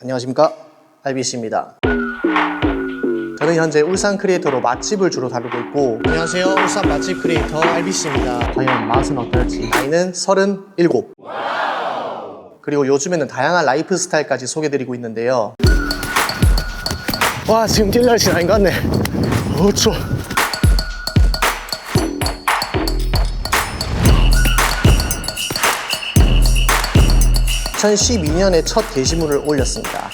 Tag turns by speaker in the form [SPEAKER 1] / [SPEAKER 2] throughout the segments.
[SPEAKER 1] 안녕하십니까, RBC입니다. 저는 현재 울산 크리에이터로 맛집을 주로 다루고 있고, 안녕하세요, 울산 맛집 크리에이터 RBC입니다. 과연 맛은 어떨지. 나이는 37. 그리고 요즘에는 다양한 라이프 스타일까지 소개드리고 있는데요. 와, 지금 뛸 날씨는 아닌 것 같네. 추워. 2012년에 첫 게시물을 올렸습니다.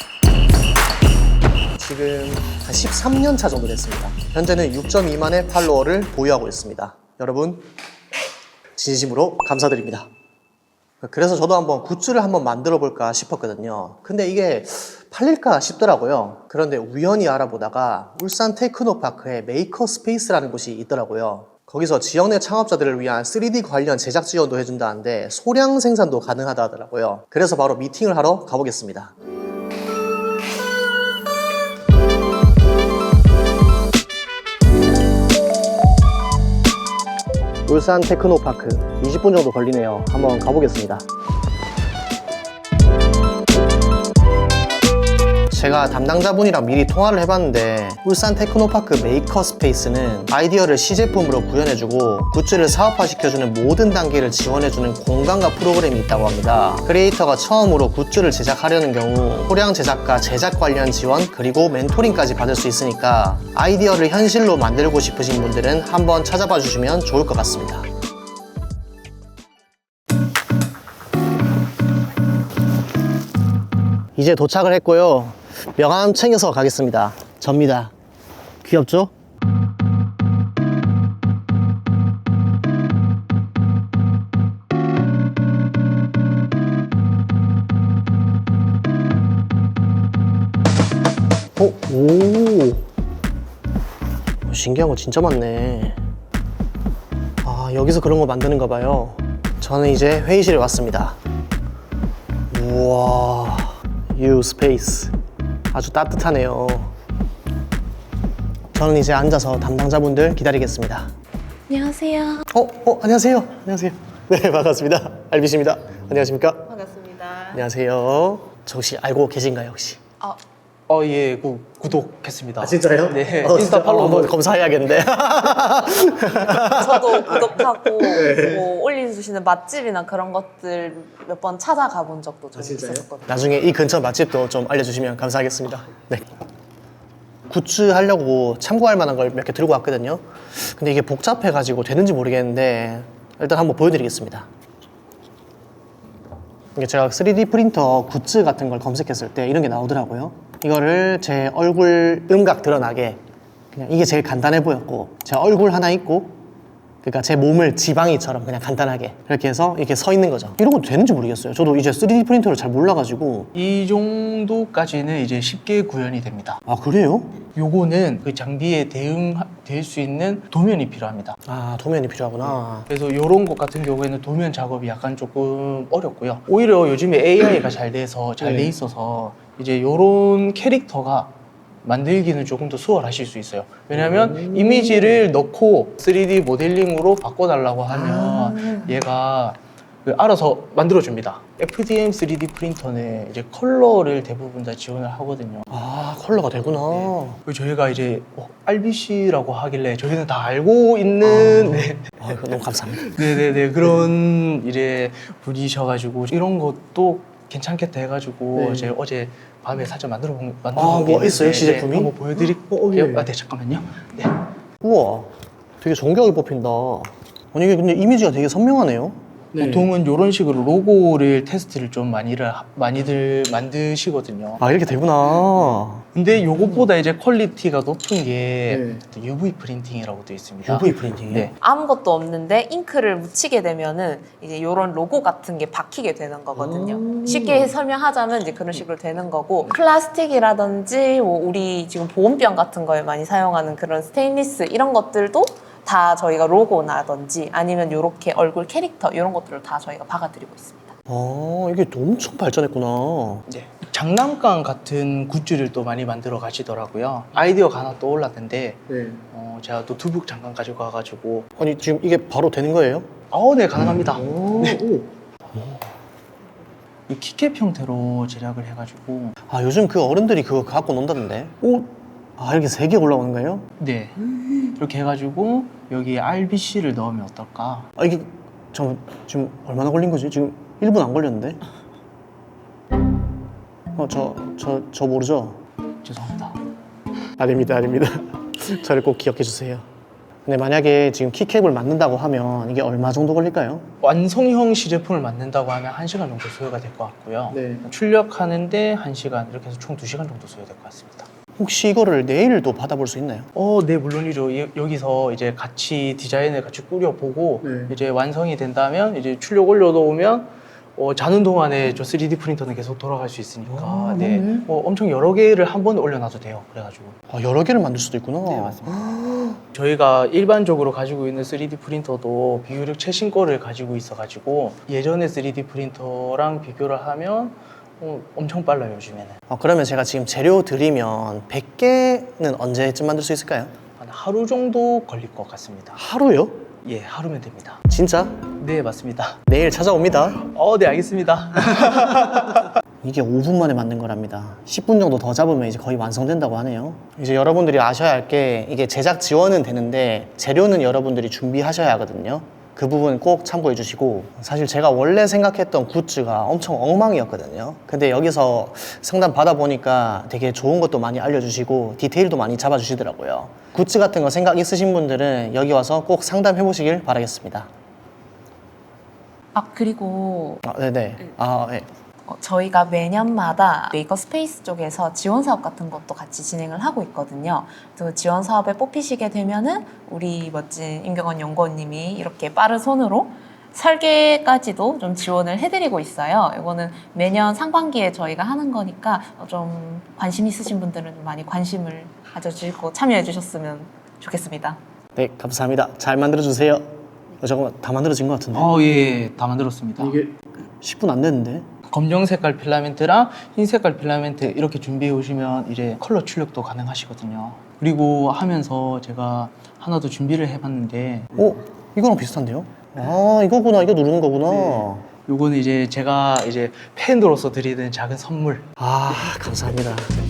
[SPEAKER 1] 지금 한 13년 차 정도 됐습니다. 현재는 6.2만의 팔로워를 보유하고 있습니다. 여러분, 진심으로 감사드립니다. 그래서 저도 한번 굿즈를 한번 만들어 볼까 싶었거든요. 근데 이게 팔릴까 싶더라고요. 그런데 우연히 알아보다가 울산 테크노파크에 메이커 스페이스라는 곳이 있더라고요. 거기서 지역 내 창업자들을 위한 3D 관련 제작 지원도 해준다는데 소량 생산도 가능하다 하더라고요. 그래서 바로 미팅을 하러 가보겠습니다. 울산 테크노파크 20분 정도 걸리네요. 한번 가보겠습니다. 제가 담당자분이랑 미리 통화를 해봤는데 울산 테크노파크 메이커 스페이스는 아이디어를 시제품으로 구현해주고 굿즈를 사업화시켜주는 모든 단계를 지원해주는 공간과 프로그램이 있다고 합니다. 크리에이터가 처음으로 굿즈를 제작하려는 경우 소량 제작과 제작 관련 지원 그리고 멘토링까지 받을 수 있으니까 아이디어를 현실로 만들고 싶으신 분들은 한번 찾아봐 주시면 좋을 것 같습니다. 이제 도착을 했고요. 명함 챙겨서 가겠습니다. 접니다. 귀엽죠? 오, 신기한 거 진짜 많네. 아, 여기서 그런 거 만드는가 봐요. 저는 이제 회의실에 왔습니다. 우와, U 스페이스. 아주 따뜻하네요. 저는 이제 앉아서 담당자분들 기다리겠습니다.
[SPEAKER 2] 안녕하세요.
[SPEAKER 1] 안녕하세요. 안녕하세요. 네, 반갑습니다. RBC입니다. 안녕하십니까?
[SPEAKER 2] 반갑습니다.
[SPEAKER 1] 안녕하세요. 저 혹시 알고 계신가요, 혹시?
[SPEAKER 3] 예, 구독했습니다.
[SPEAKER 1] 진짜요?
[SPEAKER 3] 네.
[SPEAKER 1] 인스타 팔로우 한번 검사해야겠는데.
[SPEAKER 2] 저도 구독하고 뭐 올려주시는 맛집이나 그런 것들 몇 번 찾아가 본 적도 좀 있었거든요.
[SPEAKER 1] 나중에 이 근처 맛집도 좀 알려주시면 감사하겠습니다. 네. 굿즈 하려고 참고할 만한 걸 몇 개 들고 왔거든요. 근데 이게 복잡해가지고 되는지 모르겠는데 일단 한번 보여드리겠습니다. 이게 제가 3D 프린터 굿즈 같은 걸 검색했을 때 이런 게 나오더라고요. 이거를 제 얼굴 음각 드러나게 그냥 이게 제일 간단해 보였고 제 얼굴 하나 있고 그러니까 제 몸을 지방이처럼 그냥 간단하게 이렇게 해서 이렇게 서 있는 거죠. 이런 것도 되는지 모르겠어요. 저도 이제 3D 프린터를 잘 몰라가지고.
[SPEAKER 3] 이 정도까지는 이제 쉽게 구현이 됩니다.
[SPEAKER 1] 아, 그래요?
[SPEAKER 3] 요거는 그 장비에 대응될 수 있는 도면이 필요합니다.
[SPEAKER 1] 아, 도면이 필요하구나.
[SPEAKER 3] 그래서 이런 것 같은 경우에는 도면 작업이 약간 조금 어렵고요. 오히려 요즘에 AI가 잘 돼 있어서 이제 이런 캐릭터가 만들기는 조금 더 수월하실 수 있어요. 왜냐하면 이미지를 넣고 3D 모델링으로 바꿔달라고 하면 얘가 알아서 만들어줍니다. FDM 3D 프린터는 이제 컬러를 대부분 다 지원을 하거든요.
[SPEAKER 1] 아, 컬러가 되구나.
[SPEAKER 3] 그리고 저희가 이제 RBC라고 하길래 저희는 다 알고 있는
[SPEAKER 1] 너무 감사합니다.
[SPEAKER 3] 네네네 그런 이제 분이셔가지고 이런 것도 괜찮겠다 해가지고
[SPEAKER 1] 네.
[SPEAKER 3] 제가 어제 밤에 살짝 만들어 본
[SPEAKER 1] 뭐
[SPEAKER 3] 게
[SPEAKER 1] 있어요?
[SPEAKER 3] 있는데,
[SPEAKER 1] 시제품이?
[SPEAKER 3] 한번 보여드릴게요.
[SPEAKER 1] 예.
[SPEAKER 3] 네 잠깐만요. 네.
[SPEAKER 1] 우와, 되게 정교하게 뽑힌다. 아니, 이게 근데 이미지가 되게 선명하네요.
[SPEAKER 3] 보통은 이런 식으로 로고를 테스트를 좀 많이들 만드시거든요.
[SPEAKER 1] 아, 이렇게 되구나.
[SPEAKER 3] 근데 요것보다 이제 퀄리티가 높은 게 UV 프린팅이라고 되어 있습니다.
[SPEAKER 1] UV 프린팅이요?
[SPEAKER 3] 네.
[SPEAKER 2] 아무것도 없는데 잉크를 묻히게 되면은 이제 이런 로고 같은 게 박히게 되는 거거든요. 쉽게 설명하자면 이제 그런 식으로 되는 거고 플라스틱이라든지 뭐 우리 지금 보온병 같은 거에 많이 사용하는 그런 스테인리스 이런 것들도 다 저희가 로고나든지 아니면 이렇게 얼굴 캐릭터 이런 것들을 다 저희가 박아드리고 있습니다.
[SPEAKER 1] 이게 엄청 발전했구나.
[SPEAKER 3] 네. 장난감 같은 굿즈를 또 많이 만들어 가시더라고요. 아이디어가 하나 떠올랐는데 제가 노트북 잠깐 가지고 와가지고
[SPEAKER 1] 아니, 지금 이게 바로 되는 거예요?
[SPEAKER 3] 네 가능합니다. 이 키캡 형태로 제작을 해가지고
[SPEAKER 1] 아, 요즘 그 어른들이 그거 갖고 논다던데. 오, 아, 이렇게 3개 올라오는 거예요?
[SPEAKER 3] 네 이렇게 해가지고 여기에 RBC를 넣으면 어떨까?
[SPEAKER 1] 아, 이게 지금 얼마나 걸린 거지? 지금 1분 안 걸렸는데? 저 모르죠?
[SPEAKER 3] 죄송합니다.
[SPEAKER 1] 아닙니다. 저를 꼭 기억해 주세요. 근데 만약에 지금 키캡을 만든다고 하면 이게 얼마 정도 걸릴까요?
[SPEAKER 3] 완성형 시제품을 만든다고 하면 1시간 정도 소요가 될 것 같고요.
[SPEAKER 1] 네.
[SPEAKER 3] 출력하는데 1시간 이렇게 해서 총 2시간 정도 소요될 것 같습니다.
[SPEAKER 1] 혹시 이거를 내일도 받아볼 수 있나요?
[SPEAKER 3] 네, 물론이죠. 여기서 이제 같이 디자인을 같이 꾸려보고
[SPEAKER 1] 네.
[SPEAKER 3] 이제 완성이 된다면 이제 출력 올려놓으면 자는 동안에 저 3D 프린터는 계속 돌아갈 수 있으니까
[SPEAKER 1] 아,
[SPEAKER 3] 네,
[SPEAKER 1] 맞네.
[SPEAKER 3] 엄청 여러 개를 한 번에 올려놔도 돼요. 그래가지고
[SPEAKER 1] 아, 여러 개를 만들 수도 있구나.
[SPEAKER 3] 네, 맞습니다. 저희가 일반적으로 가지고 있는 3D 프린터도 비교적 최신 거를 가지고 있어가지고 예전의 3D 프린터랑 비교를 하면 엄청 빨라요, 요즘에는.
[SPEAKER 1] 그러면 제가 지금 재료 드리면 100개는 언제쯤 만들 수 있을까요?
[SPEAKER 3] 한 하루 정도 걸릴 것 같습니다.
[SPEAKER 1] 하루요?
[SPEAKER 3] 예, 하루면 됩니다.
[SPEAKER 1] 진짜?
[SPEAKER 3] 네, 맞습니다.
[SPEAKER 1] 내일 찾아옵니다.
[SPEAKER 3] 네, 알겠습니다.
[SPEAKER 1] 이게 5분 만에 만든 거랍니다. 10분 정도 더 잡으면 이제 거의 완성된다고 하네요. 이제 여러분들이 아셔야 할 게 이게 제작 지원은 되는데 재료는 여러분들이 준비하셔야 하거든요. 그 부분 꼭 참고해 주시고, 사실 제가 원래 생각했던 굿즈가 엄청 엉망이었거든요. 근데 여기서 상담 받아보니까 되게 좋은 것도 많이 알려주시고 디테일도 많이 잡아주시더라고요. 굿즈 같은 거 생각 있으신 분들은 여기 와서 꼭 상담해 보시길 바라겠습니다.
[SPEAKER 2] 그리고
[SPEAKER 1] 네네. 네.
[SPEAKER 2] 저희가 매년마다 메이커 스페이스 쪽에서 지원 사업 같은 것도 같이 진행을 하고 있거든요. 그 지원 사업에 뽑히시게 되면은 우리 멋진 임경원 연구원님이 이렇게 빠른 손으로 설계까지도 좀 지원을 해드리고 있어요. 이거는 매년 상반기에 저희가 하는 거니까 좀 관심 있으신 분들은 좀 많이 관심을 가져주시고 참여해 주셨으면 좋겠습니다.
[SPEAKER 1] 네, 감사합니다. 잘 만들어주세요. 잠깐만, 다 만들어진 것 같은데?
[SPEAKER 3] 예, 다 만들었습니다.
[SPEAKER 1] 이게 10분 안 됐는데?
[SPEAKER 3] 검정 색깔 필라멘트랑 흰 색깔 필라멘트 이렇게 준비해 오시면 이제 컬러 출력도 가능하시거든요. 그리고 하면서 제가 하나 더 준비를 해봤는데
[SPEAKER 1] 이거랑 비슷한데요? 이거구나. 이거 누르는 거구나.
[SPEAKER 3] 요거는 이제 제가 이제 팬으로서 드리는 작은 선물.
[SPEAKER 1] 감사합니다.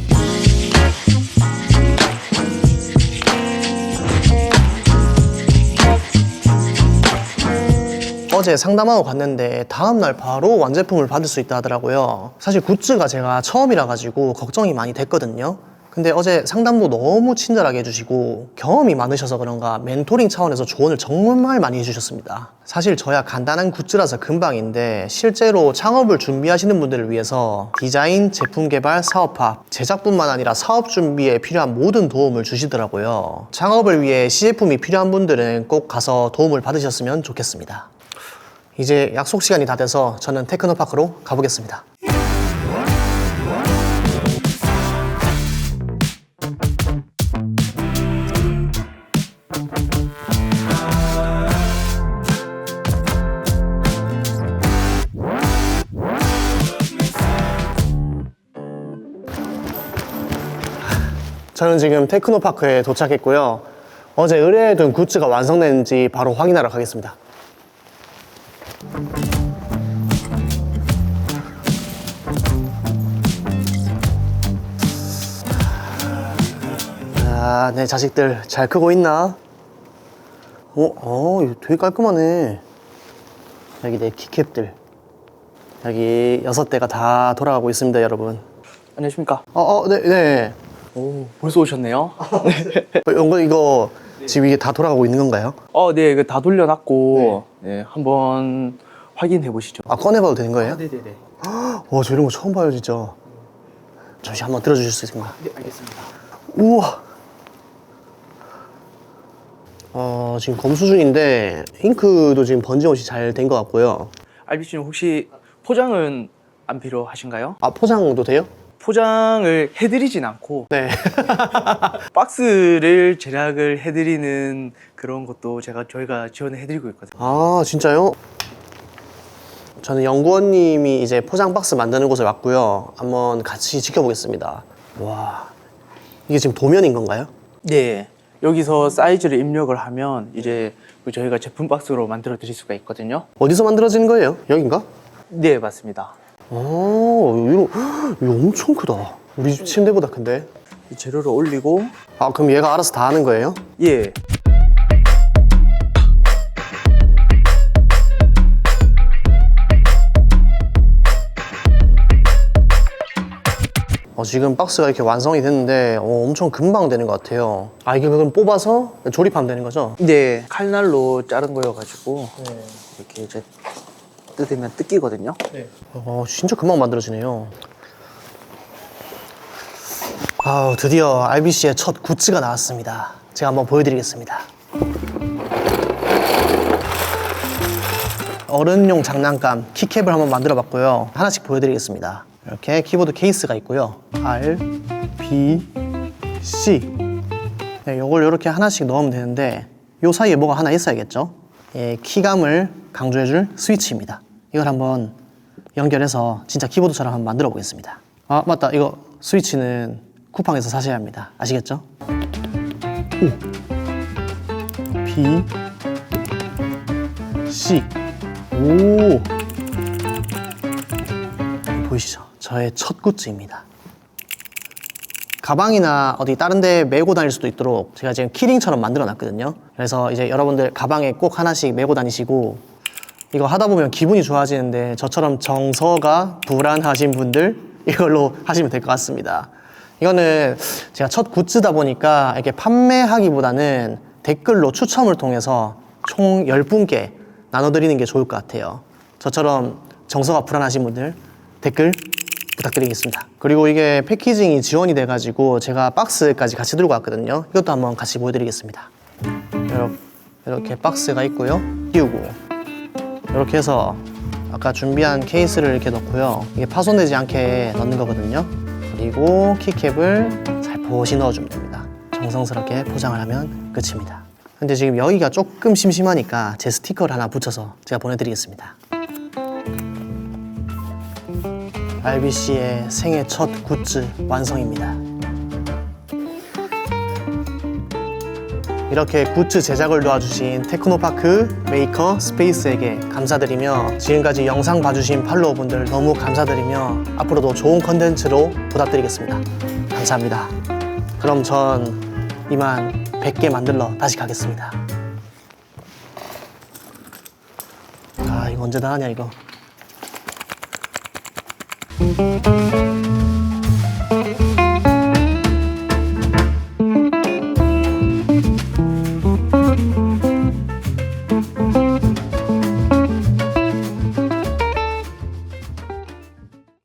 [SPEAKER 1] 어제 상담하고 갔는데 다음날 바로 완제품을 받을 수 있다 하더라고요. 사실 굿즈가 제가 처음이라 가지고 걱정이 많이 됐거든요. 근데 어제 상담도 너무 친절하게 해주시고 경험이 많으셔서 그런가 멘토링 차원에서 조언을 정말 많이 해주셨습니다. 사실 저야 간단한 굿즈라서 금방인데 실제로 창업을 준비하시는 분들을 위해서 디자인, 제품 개발, 사업화, 제작뿐만 아니라 사업 준비에 필요한 모든 도움을 주시더라고요. 창업을 위해 시제품이 필요한 분들은 꼭 가서 도움을 받으셨으면 좋겠습니다. 이제 약속 시간이 다 돼서 저는 테크노파크로 가보겠습니다. 저는 지금 테크노파크에 도착했고요. 어제 의뢰해둔 굿즈가 완성됐는지 바로 확인하러 가겠습니다. 내 자식들 잘 크고 있나? 이거 되게 깔끔하네. 여기 내 키캡들. 여기 6대가 다 돌아가고 있습니다, 여러분.
[SPEAKER 3] 안녕하십니까?
[SPEAKER 1] 네.
[SPEAKER 3] 벌써 오셨네요.
[SPEAKER 1] 이거 지금 이게 다 돌아가고 있는 건가요?
[SPEAKER 3] 네, 이거 다 돌려놨고 네, 한번 확인해 보시죠.
[SPEAKER 1] 꺼내봐도 되는 거예요?
[SPEAKER 3] 네네네.
[SPEAKER 1] 와, 저 이런 거 처음 봐요, 진짜. 잠시 한번 들어주실 수 있을까요?
[SPEAKER 3] 네, 알겠습니다.
[SPEAKER 1] 우와. 지금 검수 중인데 잉크도 지금 번짐없이 잘 된 것 같고요.
[SPEAKER 3] RBC님 혹시 포장은 안 필요하신가요?
[SPEAKER 1] 포장도 돼요?
[SPEAKER 3] 포장을 해드리진 않고
[SPEAKER 1] 네.
[SPEAKER 3] 박스를 제작을 해드리는 그런 것도 저희가 지원을 해드리고 있거든요.
[SPEAKER 1] 진짜요? 저는 연구원님이 이제 포장 박스 만드는 곳에 왔고요. 한번 같이 지켜보겠습니다. 와, 이게 지금 도면인 건가요?
[SPEAKER 3] 네. 여기서 사이즈를 입력을 하면 이제 저희가 제품 박스로 만들어 드릴 수가 있거든요.
[SPEAKER 1] 어디서 만들어지는 거예요? 여긴가?
[SPEAKER 3] 네, 맞습니다.
[SPEAKER 1] 오, 이거 엄청 크다. 우리 집 침대보다 큰데?
[SPEAKER 4] 이 재료를 올리고
[SPEAKER 1] 아, 그럼 얘가 알아서 다 하는 거예요?
[SPEAKER 4] 예.
[SPEAKER 1] 지금 박스가 이렇게 완성이 됐는데 엄청 금방 되는 것 같아요. 아, 이게 그럼 뽑아서 조립하면 되는 거죠?
[SPEAKER 4] 네, 칼날로 자른 거여가지고 이렇게 이제 뜯으면 뜯기거든요.
[SPEAKER 1] 진짜 금방 만들어지네요. 아, 드디어 RBC의 첫 굿즈가 나왔습니다. 제가 한번 보여드리겠습니다. 어른용 장난감 키캡을 한번 만들어 봤고요. 하나씩 보여드리겠습니다. 이렇게 키보드 케이스가 있고요. R, B, C. 네, 요걸 이렇게 하나씩 넣으면 되는데 요 사이에 뭐가 하나 있어야겠죠? 예, 키감을 강조해줄 스위치입니다. 이걸 한번 연결해서 진짜 키보드처럼 한번 만들어 보겠습니다. 아, 맞다. 이거 스위치는 쿠팡에서 사셔야 합니다. 아시겠죠? O, B, C. 오, 보이시죠? 저의 첫 굿즈입니다. 가방이나 어디 다른 데 메고 다닐 수도 있도록 제가 지금 키링처럼 만들어 놨거든요. 그래서 이제 여러분들 가방에 꼭 하나씩 메고 다니시고 이거 하다 보면 기분이 좋아지는데 저처럼 정서가 불안하신 분들 이걸로 하시면 될 것 같습니다. 이거는 제가 첫 굿즈다 보니까 이렇게 판매하기보다는 댓글로 추첨을 통해서 총 10분께 나눠드리는 게 좋을 것 같아요. 저처럼 정서가 불안하신 분들 댓글 부탁드리겠습니다. 그리고 이게 패키징이 지원이 돼가지고 제가 박스까지 같이 들고 왔거든요. 이것도 한번 같이 보여드리겠습니다. 이렇게 박스가 있고요. 끼우고 이렇게 해서 아까 준비한 케이스를 이렇게 넣고요. 이게 파손되지 않게 넣는 거거든요. 그리고 키캡을 살포시 넣어주면 됩니다. 정성스럽게 포장을 하면 끝입니다. 근데 지금 여기가 조금 심심하니까 제 스티커를 하나 붙여서 제가 보내드리겠습니다. RBC의 생애 첫 굿즈 완성입니다. 이렇게 굿즈 제작을 도와주신 테크노파크 메이커 스페이스에게 감사드리며 지금까지 영상 봐주신 팔로워분들 너무 감사드리며 앞으로도 좋은 컨텐츠로 보답드리겠습니다. 감사합니다. 그럼 전 이만 100개 만들러 다시 가겠습니다. 아, 이거 언제 다 하냐 이거.